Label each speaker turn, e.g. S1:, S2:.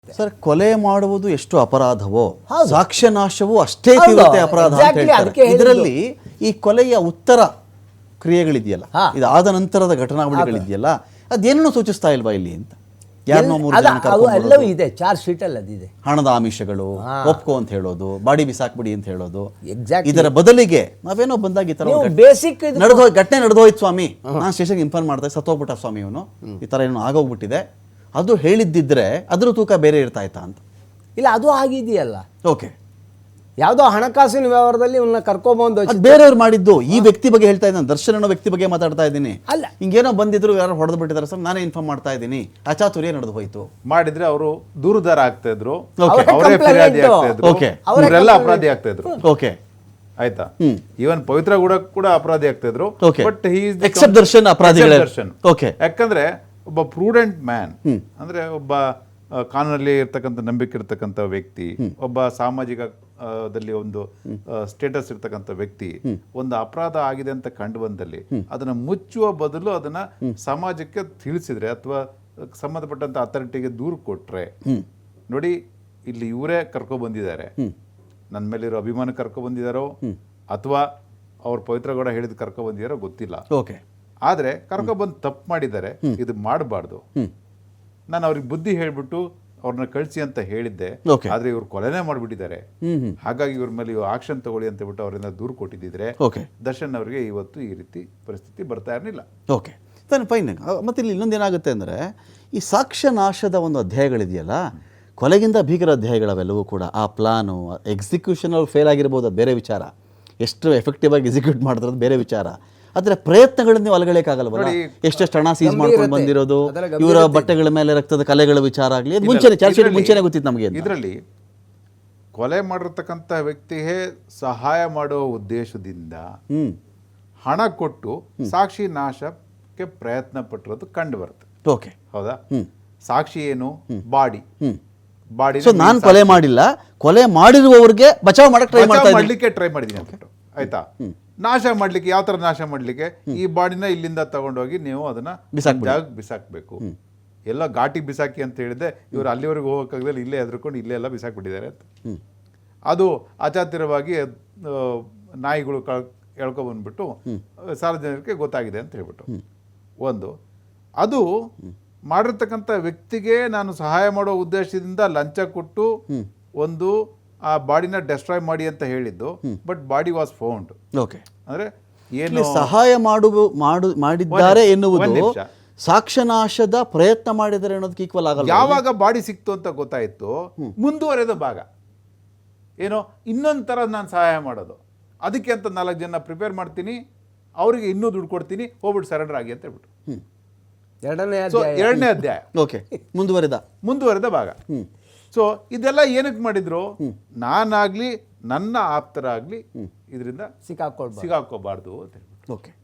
S1: Sir, ಕೊಲೆ ಮಾಡುವುದು ಎಷ್ಟು ಅಪರಾಧವೋ ಸಾಕ್ಷ್ಯ ನಾಶವೂ ಅಷ್ಟೇ ತೀವ್ರತೆ ಅಪರಾಧ ಅಂತ ಹೇಳ್ತಾರೆ. ಇದರಲ್ಲಿ ಈ ಕೊಲೆಯ ಉತ್ತರ ಕ್ರಿಯೆಗಳಿದೆಯಲ್ಲ, ಇದಾದ ನಂತರದ ಘಟನಾವಳಿಗಳಿದೆಯಲ್ಲ, ಅದೇನನ್ನು ಸೂಚಿಸ್ತಾ ಇಲ್ವಾ ಇಲ್ಲಿ ಅಂತ?
S2: ಎಲ್ಲವೂ ಇದೆ, ಚಾರ್ಜ್ ಶೀಟ್ ಅಲ್ಲಿ ಅದಿದೆ.
S1: ಹಣದ ಆಮಿಷಗಳು, ಒಪ್ಕೋ ಅಂತ ಹೇಳೋದು, ಬಾಡಿ ಬಿಸಾಕ್ಬಿಡಿ ಅಂತ ಹೇಳೋದು. ಇದರ ಬದಲಿಗೆ ನಾವೇನೋ ಬಂದಾಗ ಈ ತರ
S2: ಬೇಸಿಕ್
S1: ಘಟನೆ ನಡೆದೋಯ್ತು ಸ್ವಾಮಿ, ನಾನು ಸ್ಟೇಷನ್ಗೆ ಇನ್ಫಾರ್ಮ್ ಮಾಡ್ದೆ, ಸತ್ತೋಗ್ಬಿಟ್ಟ ಸ್ವಾಮಿ ಇವನು, ಈ ತರ ಏನೋ ಆಗೋಗ್ಬಿಟ್ಟಿದೆ, ಅದು ಹೇಳಿದ್ದಿದ್ರೆ ಅದ್ರ ತೂಕ ಬೇರೆ ಇರ್ತಾ ಇತ್ತಾ ಅಂತ.
S2: ಇಲ್ಲ, ಅದು ಆಗಿದೆಯಲ್ಲ.
S1: ಓಕೆ,
S2: ಯಾವುದೋ ಹಣಕಾಸಿನ ವ್ಯವಹಾರದಲ್ಲಿ ಇವನ್ನ ಕರ್ಕೊಂಬಂದು
S1: ಬೇರೆಯವ್ರು ಮಾಡಿದ್ದು. ಈ ವ್ಯಕ್ತಿ ಬಗ್ಗೆ ಹೇಳ್ತಾ ಇದ್ದೀನಿ, ದರ್ಶನ್ ಅನ್ನೋ ವ್ಯಕ್ತಿ ಬಗ್ಗೆ ಮಾತಾಡ್ತಾ ಇದ್ದೀನಿ.
S2: ಅಲ್ಲ,
S1: ಹಿಂಗೇನೋ ಬಂದಿದ್ರು, ಯಾರು ಹೊಡೆದು ಬಿಟ್ಟಿದ್ದಾರೆ ಸರ್, ನಾನೇ ಇನ್ಫಾರ್ಮ್ ಮಾಡ್ತಾ ಇದ್ದೀನಿ, ಅಚಾತುರ್ಯ ನಡೆದು ಹೋಯ್ತು
S3: ಮಾಡಿದ್ರೆ ಅವರು ದೂರುದಾರ ಆಗ್ತಾ ಇದ್ರು, ಅವರೇ ಫಿರ್ಯಾದಿ ಆಗ್ತಾ ಇದ್ರು, ಅವರೆಲ್ಲ ಅಪರಾಧಿ ಆಗ್ತಾ ಇದ್ರು.
S1: ಓಕೆ,
S3: ಆಯ್ತಾ? ಈವನ್ ಪವಿತ್ರ ಕೂಡ ಅಪರಾಧಿ ಆಗ್ತಾ ಇದ್ರು. ಬಟ್
S1: ಎಕ್ಸೆಪ್ಟ್ ದರ್ಶನ್ ಅಪರಾಧಿಗಳೇ.
S3: ದರ್ಶನ್ ಯಾಕಂದ್ರೆ ಒಬ್ಬ ಪ್ರೂಡೆಂಟ್ ಮ್ಯಾನ್, ಅಂದ್ರೆ ಒಬ್ಬ ಕಾನೂನಲ್ಲಿ ಇರ್ತಕ್ಕಂಥ ನಂಬಿಕೆ ಇರ್ತಕ್ಕಂಥ ವ್ಯಕ್ತಿ, ಒಬ್ಬ ಸಾಮಾಜಿಕದಲ್ಲಿ ಒಂದು ಸ್ಟೇಟಸ್ ಇರ್ತಕ್ಕಂಥ ವ್ಯಕ್ತಿ, ಒಂದು ಅಪರಾಧ ಆಗಿದೆ ಅಂತ ಕಂಡು ಬಂದಲ್ಲಿ ಅದನ್ನ ಮುಚ್ಚುವ ಬದಲು ಅದನ್ನ ಸಮಾಜಕ್ಕೆ ತಿಳಿಸಿದ್ರೆ ಅಥವಾ ಸಂಬಂಧಪಟ್ಟಂತ ಅಥಾರಿಟಿಗೆ ದೂರು ಕೊಟ್ರೆ, ನೋಡಿ ಇಲ್ಲಿ ಇವರೇ ಕರ್ಕೊ ಬಂದಿದ್ದಾರೆ, ನನ್ನ ಮೇಲಿರೋ ಅಭಿಮಾನ ಕರ್ಕೊ ಬಂದಿದಾರೋ ಅಥವಾ ಅವ್ರ ಪವಿತ್ರಗೌಡ ಹೇಳಿದ್ ಕರ್ಕೊ ಬಂದಿದಾರೋ ಗೊತ್ತಿಲ್ಲ. ಆದ್ರೆ ಕರ್ಕೊಬಂದು ತಪ್ಪು ಮಾಡಿದ್ದಾರೆ, ಇದು ಮಾಡಬಾರ್ದು. ನಾನು ಅವ್ರಿಗೆ ಬುದ್ಧಿ ಹೇಳ್ಬಿಟ್ಟು ಅವ್ರನ್ನ ಕಳಿಸಿ ಅಂತ ಹೇಳಿದ್ದೆ, ಆದ್ರೆ ಇವ್ರು ಕೊಲೆನೇ ಮಾಡ್ಬಿಟ್ಟಿದ್ದಾರೆ, ಹಾಗಾಗಿ ಇವ್ರ ಮೇಲೆ ಆಕ್ಷನ್ ತಗೊಳ್ಳಿ ಅಂತ ಬಿಟ್ಟು ಅವರಿಂದ ದೂರು ಕೊಟ್ಟಿದ್ದಿದ್ರೆ ದರ್ಶನ್ ಅವರಿಗೆ ಇವತ್ತು ಈ ರೀತಿ ಪರಿಸ್ಥಿತಿ ಬರ್ತಾ ಇರಲಿಲ್ಲ.
S1: Okay, fine. ಮತ್ತೆ ಇಲ್ಲಿ ಇನ್ನೊಂದೇನಾಗುತ್ತೆ ಅಂದ್ರೆ, ಈ ಸಾಕ್ಷ್ಯ ನಾಶದ ಒಂದು ಅಧ್ಯಾಯಗಳಿದೆಯಲ್ಲ, ಕೊಲೆಗಿಂತ ಭೀಕರ ಅಧ್ಯಾಯಗಳವೆಲ್ಲವೂ ಕೂಡ ಆ ಪ್ಲಾನು ಎಕ್ಸಿಕ್ಯೂಷನ್ ಅವ್ರು ಫೇಲ್ ಆಗಿರ್ಬೋದು, ಅದು ಬೇರೆ ವಿಚಾರ. ಎಷ್ಟು ಎಫೆಕ್ಟಿವ್ ಆಗಿ ಎಕ್ಸಿಕ್ಯೂಟ್ ಮಾಡಿದ್ರೆ ಬೇರೆ ವಿಚಾರ. ಆದರೆ ಪ್ರಯತ್ನಗಳನ್ನು ನೀವು ಅಲಗಲಿಕ್ಕಾಗಲ್ವಲ್ಲ. ಎಷ್ಟೆಷ್ಟು ಹಣ ಸೀಸ್ ಮಾಡ್ಕೊಂಡು ಬಂದಿರೋದು, ಇವರ ಬಟ್ಟೆಗಳ ಮೇಲೆ ರಕ್ತದ ಕಲೆಗಳ ವಿಚಾರ ಆಗಲಿ, ಮುಂಚೆನೆ ಗೊತ್ತಿತ್ತು ನಮಗೆ.
S3: ಇದರಲ್ಲಿ ಕೊಲೆ ಮಾಡಿರ್ತಕ್ಕಂಥ ವ್ಯಕ್ತಿಗೆ ಸಹಾಯ ಮಾಡುವ ಉದ್ದೇಶದಿಂದ ಹಣ ಕೊಟ್ಟು ಸಾಕ್ಷಿ ನಾಶಕ್ಕೆ ಪ್ರಯತ್ನ ಪಟ್ಟಿರೋದು ಕಂಡು ಬರುತ್ತೆ.
S1: ಓಕೆ,
S3: ಹೌದಾ? ಸಾಕ್ಷಿ ಏನು? ಬಾಡಿ.
S1: ನಾನು ಕೊಲೆ ಮಾಡಿಲ್ಲ, ಕೊಲೆ ಮಾಡಿರುವವರಿಗೆ ಬಚಾವ್
S3: ಮಾಡ್ಲಿಕ್ಕೆ ಟ್ರೈ ಮಾಡಿದ್ದೀನಿ ಅಂತ. ಆಯ್ತಾ? ನಾಶ ಮಾಡ್ಲಿಕ್ಕೆ ಯಾವ ತರ ನಾಶ ಮಾಡ್ಲಿಕ್ಕೆ? ಈ ಬಾಡಿನ ಇಲ್ಲಿಂದ ತಗೊಂಡೋಗಿ ನೀವು ಅದನ್ನ ಬಿಸಾಕ್ಬೇಕು. ಎಲ್ಲ ಘಾಟಿ ಬಿಸಾಕಿ ಅಂತ ಹೇಳಿದೆ, ಇವರು ಅಲ್ಲಿವರೆಗೂ ಹೋಗೋಕ್ಕಾಗದಲ್ಲಿ ಇಲ್ಲೇ ಎದ್ರುಕೊಂಡು ಇಲ್ಲೇ ಎಲ್ಲ ಬಿಸಾಕ್ಬಿಟ್ಟಿದ್ದಾರೆ ಅಂತ. ಅದು ಅಚಾತುರ್ಯವಾಗಿ ನಾಯಿಗಳು ಎಳ್ಕೊಬಂದ್ಬಿಟ್ಟು ಸಾರ್ವಜನಿಕರಿಗೆ ಗೊತ್ತಾಗಿದೆ ಅಂತ ಹೇಳ್ಬಿಟ್ಟು ಒಂದು. ಅದು ಮಾಡಿರ್ತಕ್ಕಂಥ ವ್ಯಕ್ತಿಗೆ ನಾನು ಸಹಾಯ ಮಾಡೋ ಉದ್ದೇಶದಿಂದ ಲಂಚ ಕೊಟ್ಟು ಒಂದು ಆ ಬಾಡಿನ ಡೆಸ್ಟ್ರಾಯ್ ಮಾಡಿ ಅಂತ ಹೇಳಿದ್ದು, ಬಟ್ ಬಾಡಿ ವಾಸ್ ಫೌಂಡ್. ಅಂದ್ರೆ ಏನು
S1: ಸಹಾಯ ಮಾಡಿದ್ದಾರೆ ಎನ್ನುವುದು ಸಾಕ್ಷ್ಯನಾಶದ ಪ್ರಯತ್ನ ಮಾಡಿದರೆ ಅನ್ನೋದಕ್ಕೆ ಈಕ್ವಲ್ ಆಗಲ್ಲ.
S3: ಯಾವಾಗ ಬಾಡಿ ಸಿಕ್ತು ಅಂತ ಗೊತ್ತಾಯ್ತು, ಮುಂದುವರೆದ ಭಾಗ ಏನೋ ಇನ್ನೊಂದು ಥರ ನಾನು ಸಹಾಯ ಮಾಡೋದು, ಅದಕ್ಕೆ ಅಂತ 4 ಜನ ಪ್ರಿಪೇರ್ ಮಾಡ್ತೀನಿ, ಅವರಿಗೆ ಇನ್ನೂ ದುಡ್ಡು ಕೊಡ್ತೀನಿ, ಹೋಗ್ಬಿಟ್ಟು ಸರೆಂಡರ್ ಆಗಿ ಅಂತ ಹೇಳ್ಬಿಟ್ಟು ಎರಡನೇ ಅಧ್ಯಾಯ. ಮುಂದುವರೆದ ಭಾಗ. ಸೊ ಇದೆಲ್ಲ ಏನಕ್ಕೆ ಮಾಡಿದ್ರು? ನಾನಾಗ್ಲಿ ನನ್ನ ಆಪ್ತರಾಗ್ಲಿ ಇದರಿಂದ ಸಿಕ್ಕಾಕೋಬಾರ್ದು ಅಂತ ಹೇಳ್ಬಿಟ್ಟು.